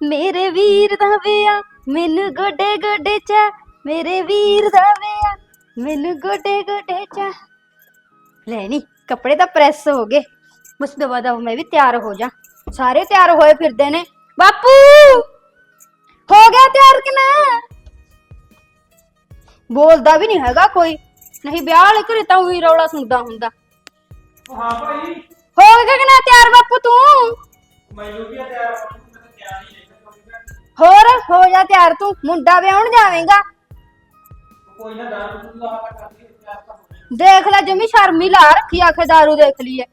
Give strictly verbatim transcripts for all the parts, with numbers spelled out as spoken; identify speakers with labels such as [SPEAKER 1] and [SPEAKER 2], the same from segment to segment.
[SPEAKER 1] ਮੇਰੇ ਵੀਰ ਦਾ ਵਿਆਹ ਮੈਨੂੰ ਗੋਡੇ ਗੋਡੇ ਚਾ, ਮੇਰੇ ਵੀਰ ਦਾ ਵਿਆਹ ਮੈਨੂੰ ਗੋਡੇ ਗੋਡੇ ਚਾ। ਲੈ ਨੀ ਕੱਪੜੇ ਤਾਂ ਪ੍ਰੈਸ ਹੋ ਗਏ, ਬਸ ਦਵਾ ਦਵਾ ਮੈਂ ਵੀ ਤਿਆਰ ਹੋ ਜਾ। ਸਾਰੇ ਤਿਆਰ ਹੋਏ ਫਿਰਦੇ ਨੇ। ਬਾਪੂ ਹੋ ਗਿਆ ਤਿਆਰ ਕਿ ਨਾ? ਬੋਲਦਾ ਵੀ ਨਹੀਂ ਹੈਗਾ ਕੋਈ, ਨਹੀਂ ਵਿਆਹ ਵਾਲੇ ਘਰੇ ਤਾਂ ਉਹੀ ਰੌਲਾ ਸੁਣਦਾ ਹੁੰਦਾ।
[SPEAKER 2] ਹਾਂ ਭਾਈ
[SPEAKER 1] ਹੋ ਗਿਆ ਕਿ ਨਾ ਤਿਆਰ ਬਾਪੂ ਤੂੰ?
[SPEAKER 2] ਮੈਨੂੰ ਵੀ ਤਿਆਰ ਹੋਣ ਨੂੰ ਮੈਂ ਤਿਆਰ ਹੀ ਨਹੀਂ।
[SPEAKER 1] ਹੋਰ ਹੋ ਜਾ ਤਿਆਰ, ਤੂੰ ਮੁੰਡਾ ਵਿਆਹਣ ਜਾਵੇਂਗਾ।
[SPEAKER 2] ਕੋਈ ਨਾ ਦਾਰੂ ਦੂਰੂ ਲਾ ਕੇ ਕਰਦੀ ਤਿਆਰ ਤਾਂ ਹੋ ਜਾਣਾ।
[SPEAKER 1] ਦੇਖ ਲੈ ਜਮੀ ਸ਼ਰਮੀ ਲਾ ਰੱਖੀ, ਆਖੇ ਦਾਰੂ ਦੇਖ ਲਈਏ।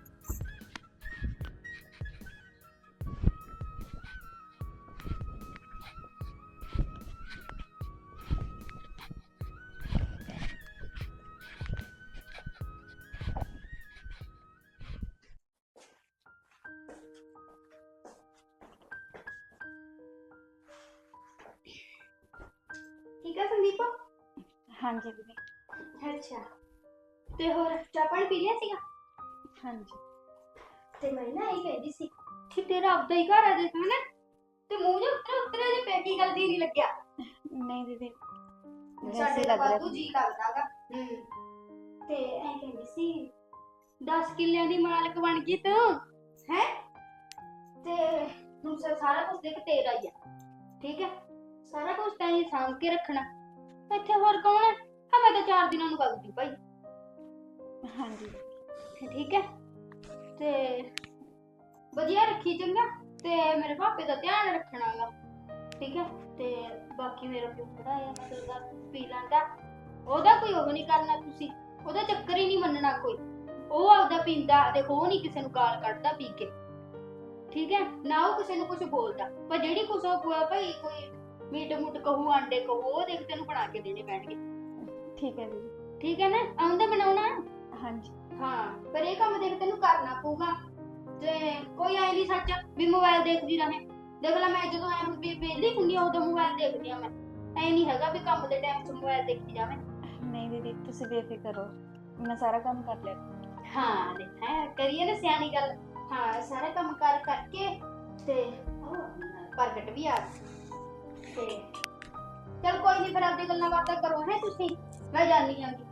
[SPEAKER 1] ਠੀਕ ਹੈ ਸੰਦੀਪ?
[SPEAKER 3] ਹਾਂਜੀ ਦੀਦੀ।
[SPEAKER 1] ਅੱਛਾ, ਤੇ ਹੋਰ ਚਾਹ ਪਾਣੀ ਪੀ ਲਿਆ ਸੀਗਾ?
[SPEAKER 3] ਹਾਂਜੀ।
[SPEAKER 1] ਤੇ ਮੈਂ ਨਾ ਇਹ ਕਹਿੰਦੀ ਸੀ ਕਿ ਤੇਰਾ ਆਪਦਾ ਹੀ ਘਰ ਆ ਦੇਖ ਹਨਾ, ਤੇ ਮੂੰਹ ਜਿਹਾ ਉੱਤਰੇ ਉੱਤਰੇ ਜਿਹੇ ਪੈ ਕੀ ਗੱਲ ਦੀ ਨਹੀਂ ਲੱਗਿਆ?
[SPEAKER 3] ਨਹੀਂ ਦੀਦੀ,
[SPEAKER 1] ਸਾਡੇ ਤਾਂ ਵਾਧੂ ਜੀ ਲੱਗਦਾਗਾ। ਹੂੰ, ਤੇ ਐਂ ਕਹਿੰਦੀ ਸੀ ਦਸ ਕਿੱਲਿਆਂ ਦੀ ਮਾਲਕ ਬਣ ਗਈ ਤੂੰ ਹੈ, ਤੇ ਹੁਣ ਸਾਰਾ ਕੁਝ ਦੇਖ ਤੇਰਾ ਹੀ ਆ, ਠੀਕ ਹੈ? ਸਾਰਾ ਕੁਝ ਤਾਂ ਇਹ ਸਾਂਭ ਕੇ ਰੱਖਣਾ। ਇੱਥੇ ਹੋਰ ਕੌਣ ਹੈ? ਹਾਂ ਮੈਂ ਤਾਂ ਚਾਰ ਦਿਨਾਂ ਨੂੰ ਵਗਦੀ ਭਾਈ।
[SPEAKER 3] ਹਾਂਜੀ
[SPEAKER 1] ਠੀਕ ਹੈ, ਤੇ ਵਧੀਆ ਰੱਖੀ ਚੰਗਾ, ਤੇ ਮੇਰੇ ਪਾਪੇ ਦਾ ਧਿਆਨ ਰੱਖਣਾਗਾ, ਠੀਕ ਹੈ? ਤੇ ਬਾਕੀ ਮੇਰਾ ਪਿਓ ਥੋੜਾ ਆ ਮਤਲਬ ਦਾ ਪੀ ਲੈਂਦਾ, ਉਹਦਾ ਕੋਈ ਉਹ ਨਹੀਂ ਕਰਨਾ ਤੁਸੀਂ, ਉਹਦਾ ਚੱਕਰ ਹੀ ਨਹੀਂ ਮੰਨਣਾ ਕੋਈ। ਉਹ ਆਪਦਾ ਪੀਂਦਾ, ਦੇਖੋ ਉਹ ਨਹੀਂ ਕਿਸੇ ਨੂੰ ਗਾਲ ਕੱਢਦਾ ਪੀ ਕੇ, ਠੀਕ ਹੈ ਨਾ? ਉਹ ਕਿਸੇ ਨੂੰ ਕੁਝ ਬੋਲਦਾ, ਪਰ ਜਿਹੜੀ ਕੁਛ ਉਹ ਭਾਈ ਕੋਈ ਮੀਟ ਮੁੱਟ ਕਹੂ, ਆਂਡੇ ਕਹੂ, ਉਹ ਦੇਖ ਤੈਨੂੰ ਬਣਾ ਕੇ ਦੇਣੇ ਪੈਣਗੇ।
[SPEAKER 3] ਠੀਕ ਹੈ ਦੀਦੀ।
[SPEAKER 1] ਠੀਕ ਹੈ ਨਾ? ਆਉਂਦਾ ਬਣਾਉਣਾ?
[SPEAKER 3] ਹਾਂਜੀ
[SPEAKER 1] ਹਾਂ, ਪਰ ਇਹ ਕੰਮ ਦੇਖ ਤੈਨੂੰ ਕਰਨਾ ਪਊਗਾ। ਤੇ ਕੋਈ ਐ ਨਹੀਂ ਸੱਚ ਵੀ ਮੋਬਾਈਲ ਦੇਖਦੀ ਰਹੇ। ਦੇਖ ਲੈ ਮੈਂ ਜਦੋਂ ਐ ਵਿਹਲੀ ਹੁੰਦੀ ਆ ਉਦੋਂ ਮੋਬਾਈਲ ਦੇਖਦੀ ਆ। ਮੈਂ ਐ ਨਹੀਂ ਹੈਗਾ ਵੀ ਕੰਮ ਦੇ ਟਾਈਮ 'ਚ ਮੋਬਾਈਲ ਦੇਖਦੀ ਜਾਵੇਂ।
[SPEAKER 3] ਨਹੀਂ ਦੀਦੀ, ਤੁਸੀਂ ਬੇਫਿਕਰ ਰਹੋ, ਮੈਂ ਸਾਰਾ ਕੰਮ ਕਰ ਲਿਆ।
[SPEAKER 1] ਹਾਂ ਦੇਖ ਹੈ ਕਰੀਏ ਨਾ ਸਿਆਣੀ ਗੱਲ। ਹਾਂ ਸਾਰਾ ਕੰਮ ਕਰ ਕਰਕੇ ਤੇ ਉਹ ਪ੍ਰਗਟ ਵੀ ਆ ਗਈ। ਤੇ ਚਲ ਕੋਈ ਨਹੀਂ, ਫਿਰ ਆਪਦੀ ਗੱਲਾਂ ਬਾਤਾਂ ਕਰੋ ਹੈ ਤੁਸੀਂ, ਮੈਂ ਜਾਣੀ ਆਂਗੀ।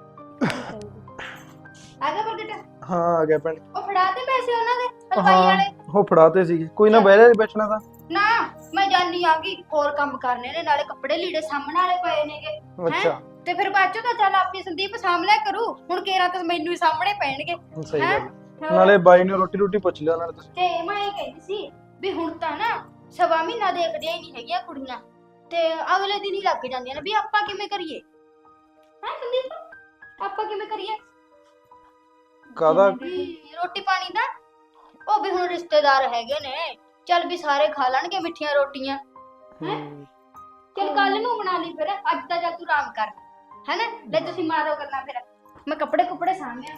[SPEAKER 1] ਆ ਗਿਆ ਪ੍ਰਗਟ?
[SPEAKER 4] ਹਾਂ ਆ ਗਿਆ ਭੈਣ।
[SPEAKER 1] ਉਹ ਫੜਾ ਤੇ ਪੈਸੇ ਉਹਨਾਂ ਦੇ ਹਲਵਾਈ ਵਾਲੇ?
[SPEAKER 4] ਉਹ ਫੜਾਤੇ ਸੀਗੇ, ਕੋਈ ਨਾ ਬਹਿ ਜਾ ਬੈਠਣਾ ਤਾਂ।
[SPEAKER 1] ਨਾ ਮੈਂ ਜਾਣੀ ਆਂਗੀ, ਹੋਰ ਕੰਮ ਕਰਨੇ ਨੇ, ਨਾਲੇ ਕੱਪੜੇ ਲੀੜੇ ਸਾਹਮਣੇ ਵਾਲੇ ਪਏ ਨੇਗੇ।
[SPEAKER 4] ਅੱਛਾ,
[SPEAKER 1] ਤੇ ਫਿਰ ਬਾਅਦ ਚੋਂ ਤਾਂ ਚੱਲ ਆਪਣੀ ਸੰਦੀਪ ਸਾਂਭ ਲਿਆ ਕਰੂ, ਹੁਣ ਕੇਰਾ ਤਾਂ ਮੈਨੂੰ ਹੀ ਸਾਹਮਣੇ ਪੈਣਗੇ।
[SPEAKER 4] ਸਹੀ ਗੱਲ। ਨਾਲੇ ਬਾਈ ਨੂੰ ਰੋਟੀ ਰੋਟੀ ਪੁੱਛ ਲਿਆ ਨਾਲੇ ਤੁਸੀਂ।
[SPEAKER 1] ਤੇ ਮੈਂ ਇਹ ਕਹਿੰਦੀ ਸੀ ਵੀ ਹੁਣ ਤਾਂ ਨਾ ਸਵਾ ਮਹੀਨਾ ਦੇਖਦੀਆਂ ਹੀ ਨਹੀਂ ਹੈਗੀਆਂ ਕੁੜੀਆਂ, ਤੇ ਅਗਲੇ ਦਿਨ ਹੀ ਲੱਗ ਜਾਂਦੀਆਂ ਨੇ ਵੀ ਆਪਾਂ ਕਿਵੇਂ ਕਰੀਏ? ਹੈ ਸੰਦੀਪ ਆਪਾਂ ਕਿਵੇਂ ਕਰੀਏ?
[SPEAKER 4] ਕਾਹਦਾ?
[SPEAKER 1] ਰੋਟੀ ਪਾਣੀ ਦਾ ਉਹ ਵੀ ਹੁਣ ਰਿਸ਼ਤੇਦਾਰ ਹੈਗੇ ਨੇ, ਚੱਲ ਵੀ ਸਾਰੇ ਖਾ ਲੈਣਗੇ ਮਿੱਠੀਆਂ ਰੋਟੀਆਂ। ਹੈ ਚੱਲ ਕੱਲ ਨੂੰ ਬਣਾ ਲਈ, ਫਿਰ ਅੱਜ ਤਾਂ ਚੱਲ ਤੂੰ ਆਰਾਮ ਕਰ ਹੈ ਨਾ। ਲੈ ਤੁਸੀਂ ਮਾਰੋ ਗੱਲਾਂ, ਫਿਰ ਮੈਂ ਕੱਪੜੇ ਕੁੱਪੜੇ ਸਾਂਭਿਆ।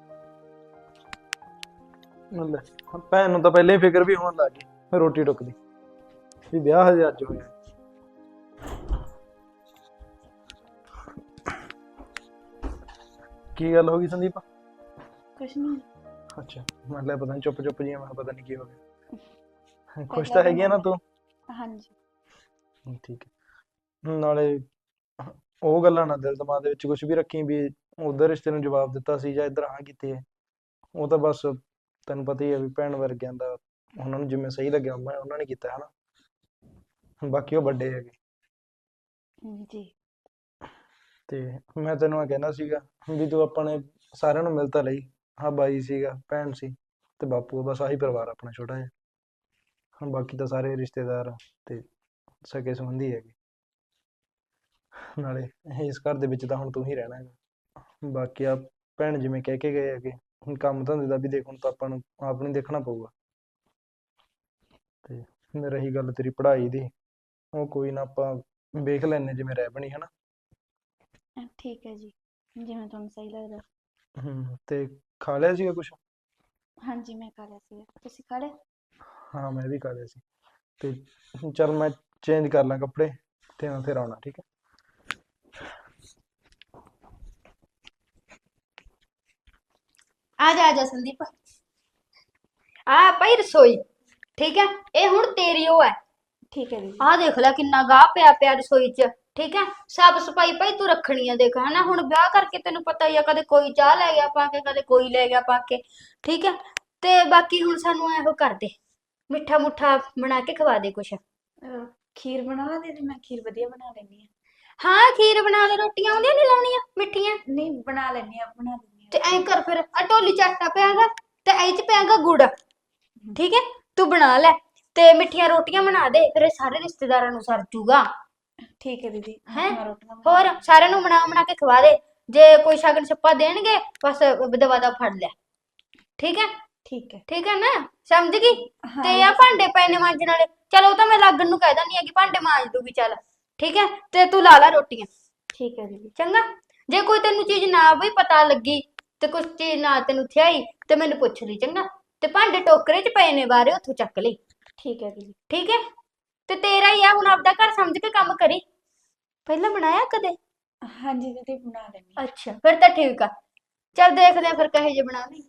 [SPEAKER 4] ਲੈ ਭੈਣ ਨੂੰ ਤਾਂ ਪਹਿਲਾਂ ਹੀ ਫਿਕਰ ਵੀ ਹੋਣ ਲੱਗ ਗਈ ਰੋਟੀ ਟੁੱਕਦੀ ਵੀ ਵਿਆਹ ਹਜੇ ਅੱਜ ਹੋਇਆ। ਕੀ ਗੱਲ ਹੋ ਗਈ ਸੰਦੀਪ?
[SPEAKER 3] ਕੁਛ ਨਹੀਂ।
[SPEAKER 4] ਅੱਛਾ, ਮੈਂ ਲੈ ਪਤਾ ਨਹੀਂ ਚੁੱਪ ਚੁੱਪ ਜੀ, ਮੈਂ ਪਤਾ ਨਹੀਂ ਕੀ ਹੋ ਗਿਆ। ਖੁਸ਼ ਤਾਂ ਹੈਗੀ ਆ ਨਾ ਤੂੰ?
[SPEAKER 3] ਹਾਂਜੀ
[SPEAKER 4] ਠੀਕ ਹੈ। ਨਾਲੇ ਉਹ ਗੱਲਾਂ ਨਾ ਦਿਲ ਦਿਮਾਗ ਦੇ ਵਿੱਚ ਕੁਝ ਵੀ ਰੱਖੀ ਵੀ ਉਧਰ ਰਿਸ਼ਤੇ ਨੂੰ ਜਵਾਬ ਦਿੱਤਾ ਸੀ ਜਾਂ ਇੱਧਰ ਹਾਂ ਕੀਤੀ ਹੈ। ਉਹ ਤਾਂ ਬਸ ਤੈਨੂੰ ਪਤਾ ਹੀ ਹੈ ਵੀ ਭੈਣ ਵਰਗਿਆਂ ਦਾ ਉਹਨਾਂ ਨੂੰ ਜਿਵੇਂ ਸਹੀ ਲੱਗਿਆ ਮੈਂ ਉਹਨਾਂ ਨੇ ਕੀਤਾ ਹਨਾ। ਬਾਕੀ ਉਹ ਵੱਡੇ ਹੈਗੇ
[SPEAKER 3] ਜੀ।
[SPEAKER 4] ਤੇ ਮੈਂ ਤੈਨੂੰ ਇਹ ਕਹਿੰਦਾ ਸੀਗਾ ਵੀ ਤੂੰ ਆਪਾਂ ਨੇ ਸਾਰਿਆਂ ਨੂੰ ਮਿਲ ਤਾਂ ਲਈ। ਹਾਂ ਬਾਈ ਸੀਗਾ, ਭੈਣ ਸੀ ਤੇ ਬਾਪੂ, ਬਸ ਆਹੀ ਪਰਿਵਾਰ ਆਪਣਾ ਛੋਟਾ ਜਿਹਾ। ਹੁਣ ਬਾਕੀ ਤਾਂ ਸਾਰੇ ਰਿਸ਼ਤੇਦਾਰ ਤੇ ਸਕੇ ਸੰਬੰਧੀ ਹੈਗੇ। ਨਾਲੇ ਇਸ ਘਰ ਦੇ ਵਿੱਚ ਤਾਂ ਹੁਣ ਤੂੰ ਹੀ ਰਹਿਣਾ ਹੈਗਾ। ਬਾਕੀ ਆ ਭੈਣ ਜਿਵੇਂ ਕਹਿ ਕੇ ਗਏ ਹੈਗੇ, ਹੁਣ ਕੰਮ ਧੰਦੇ ਦਾ ਵੀ ਦੇਖ, ਹੁਣ ਤਾਂ ਆਪਾਂ ਨੂੰ ਆਪ ਨੂੰ ਦੇਖਣਾ ਪਊਗਾ। ਤੇ ਰਹੀ ਗੱਲ ਤੇਰੀ ਪੜ੍ਹਾਈ ਦੀ, ਉਹ ਕੋਈ ਨਾ ਆਪਾਂ ਵੇਖ ਲੈਂਦੇ ਜਿਵੇਂ ਰਹਿ ਬਣੀ ਹਨਾ।
[SPEAKER 3] ਠੀਕ ਹੈ ਜੀ, ਜਿਵੇਂ ਤੁਹਾਨੂੰ ਸਹੀ ਲੱਗਦਾ।
[SPEAKER 4] ਹੂੰ, ਤੇ ਖਾ ਲਿਆ ਸੀਗਾ ਕੁਛ?
[SPEAKER 3] ਹਾਂਜੀ ਮੈਂ ਖਾ ਲਿਆ ਸੀਗਾ, ਤੁਸੀਂ ਖਾ ਲਿਆ?
[SPEAKER 4] ਹਾਂ ਮੈਂ ਵੀ ਖਾ ਲਿਆ ਸੀ। ਤੇ ਚੱਲ ਮੈਂ ਚੇਂਜ ਕਰ ਲਾਂ ਕੱਪੜੇ ਤੇ ਫਿਰ ਆਉਣਾ, ਠੀਕ ਹੈ?
[SPEAKER 1] ਆ ਜਾ ਆ ਜਾ ਸੰਦੀਪ, ਆ ਭਾਈ ਰਸੋਈ, ਠੀਕ ਹੈ? ਇਹ ਹੁਣ ਤੇਰੀ ਉਹ ਹੈ,
[SPEAKER 3] ਠੀਕ ਹੈ ਦੀਦੀ।
[SPEAKER 1] ਆਹ ਦੇਖ ਲੈ ਕਿੰਨਾ ਗਾਹ ਪਿਆ ਪਿਆ ਰਸੋਈ 'ਚ। ਠੀਕ ਹੈ, ਸਾਫ ਸਫਾਈ ਭਾਈ ਤੂੰ ਰੱਖਣੀ ਆ। ਦੇਖ ਹਨਾ, ਹੁਣ ਵਿਆਹ ਕਰਕੇ ਤੈਨੂੰ ਪਤਾ ਹੀ ਆ, ਕਦੇ ਕੋਈ ਚਾਹ ਲੈ ਗਿਆ ਪਾ ਕੇ, ਕਦੇ ਕੋਈ ਲੈ ਗਿਆ ਪਾ ਕੇ। ਠੀਕ ਹੈ, ਤੇ ਬਾਕੀ ਹੁਣ ਸਾਨੂੰ ਇਹੋ ਕਰ ਦੇ, ਮਿੱਠਾ ਮੁੱਠਾ ਬਣਾ ਕੇ ਖਵਾ ਦੇ ਕੁਛ।
[SPEAKER 3] ਅਹ, ਖੀਰ ਬਣਾ ਲਾ ਦੀਦੀ, ਮੈਂ ਖੀਰ ਵਧੀਆ ਬਣਾ ਲੈਂਦੀ ਹਾਂ।
[SPEAKER 1] ਹਾਂ ਖੀਰ ਬਣਾ ਲੈ, ਰੋਟੀਆਂ ਆਉਂਦੀਆਂ ਨਹੀਂ ਲਾਉਣੀਆਂ ਮਿੱਠੀਆਂ।
[SPEAKER 3] ਨਹੀਂ ਬਣਾ ਲੈਂਦੀ ਹਾਂ, ਬਣਾ ਦਿੰਦੀ
[SPEAKER 1] ਤੇ ਐਂ ਕਰ ਫਿਰ, ਆ ਢੋਲੀ ਚ ਆਟਾ ਪਿਆਗਾ ਤੇ ਇਹ ਚ ਪਿਆਗਾ ਗੁੜ। ਠੀਕ ਹੈ, ਤੂੰ ਬਣਾ ਲੈ ਤੇ ਮਿੱਠੀਆਂ ਰੋਟੀਆਂ ਬਣਾ ਦੇ, ਫਿਰ ਇਹ ਸਾਰੇ ਰਿਸ਼ਤੇਦਾਰਾਂ ਨੂੰ ਸਰ ਜੂਗਾ।
[SPEAKER 3] ਹਾਂ। ਠੀਕ ਹੈ ਦੀਦੀ,
[SPEAKER 1] ਹੈਂ?
[SPEAKER 3] ਮੈਂ ਰੋਟੀਆਂ ਬਣਾ
[SPEAKER 1] ਹੋਰ ਸਾਰਿਆਂ ਨੂੰ ਬਣਾ ਬਣਾ ਕੇ ਖਵਾ ਦੇ। ਜੇ ਕੋਈ ਸ਼ਗਨ ਛੱਪਾ ਦੇਣਗੇ ਬਸ ਦਵਾ ਦਾ ਫੜ ਲੈ। ਠੀਕ ਹੈ,
[SPEAKER 3] ਠੀਕ ਹੈ।
[SPEAKER 1] ਠੀਕ ਹੈ ਨਾ, ਸਮਝ ਗਈ।
[SPEAKER 3] ਹਾਂ
[SPEAKER 1] ਤੇ ਆ ਭਾਂਡੇ ਪਏ ਨੇ ਮਾਂਜਣ ਵਾਲੇ, ਚਲ ਉਹ ਤਾਂ ਮੈਂ ਲੱਗਣ ਨੂੰ ਕਹਿ ਦਿੰਦੀ ਆ ਕਿ ਭਾਂਡੇ ਮਾਂਜ ਦੂਗੀ ਚੱਲ। ਠੀਕ ਹੈ, ਤੇ ਤੂੰ ਲਾ ਲਾ ਰੋਟੀਆਂ।
[SPEAKER 3] ਠੀਕ ਹੈ ਦੀਦੀ।
[SPEAKER 1] ਚੰਗਾ, ਜੇ ਕੋਈ ਤੈਨੂੰ ਚੀਜ਼ ਨਾ ਵੀ ਪਤਾ ਲੱਗੀ ਤੇ ਕੁਛ ਚੀਜ਼ ਨਾ ਤੈਨੂੰ ਥਿਆਈ ਤੇ ਮੈਨੂੰ ਪੁੱਛ ਲਈ। ਚੰਗਾ, ਤੇ ਭਾਂਡੇ ਟੋਕਰੇ 'ਚ ਪਏ ਨੇ ਬਾਹਰੇ, ਉੱਥੋਂ ਚੱਕ ਲਈ।
[SPEAKER 3] ਠੀਕ ਹੈ ਦੀਦੀ।
[SPEAKER 1] ਠੀਕ ਹੈ, ਤੇ ਤੇਰਾ ਹੀ ਆ ਹੁਣ, ਆਪਦਾ ਘਰ ਸਮਝ ਕੇ ਕੰਮ ਕਰੀ। ਪਹਿਲਾਂ ਬਣਾਇਆ ਕਦੇ?
[SPEAKER 3] ਹਾਂਜੀ ਦੀਦੀ, ਬਣਾ ਲੈਂਦੀ ਹਾਂ।
[SPEAKER 1] ਅੱਛਾ, ਫਿਰ ਤਾਂ ਠੀਕ ਆ। ਚੱਲ ਦੇਖਦੇ ਆ ਫਿਰ ਕਹੇ ਜੇ ਬਣਾਵੀਂ।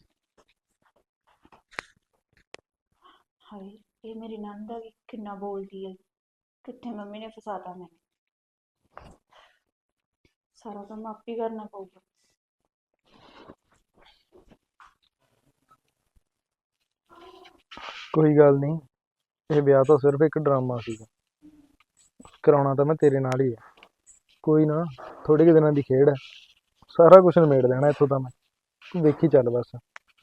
[SPEAKER 3] ਹਾਏ, ਇਹ ਮੇਰੀ ਨਣਦ ਆ ਵੀ ਕਿੰਨਾ ਬੋਲਦੀ ਹੈ। ਕਿੱਥੇ ਮੰਮੀ ਨੇ ਫਸਾਤਾ ਮੈਨੂੰ। ਸਾਰਾ ਕੰਮ ਆਪ ਹੀ ਕਰਨਾ ਪਊਗਾ।
[SPEAKER 4] ਕੋਈ ਗੱਲ ਨਹੀਂ, ਇਹ ਵਿਆਹ ਤਾਂ ਸਿਰਫ ਇੱਕ ਡਰਾਮਾ ਸੀਗਾ। ਕਰਾਉਣਾ ਤਾਂ ਮੈਂ ਤੇਰੇ ਨਾਲ ਹੀ ਹੈ। ਕੋਈ ਨਾ, ਥੋੜੇ ਕੁ ਦਿਨਾਂ ਦੀ ਖੇਡ ਹੈ, ਸਾਰਾ ਕੁਝ ਨਿਬੇੜ ਦੇਣਾ ਇੱਥੋਂ ਤਾਂ ਮੈਂ। ਤੂੰ ਵੇਖੀ ਚੱਲ ਬਸ।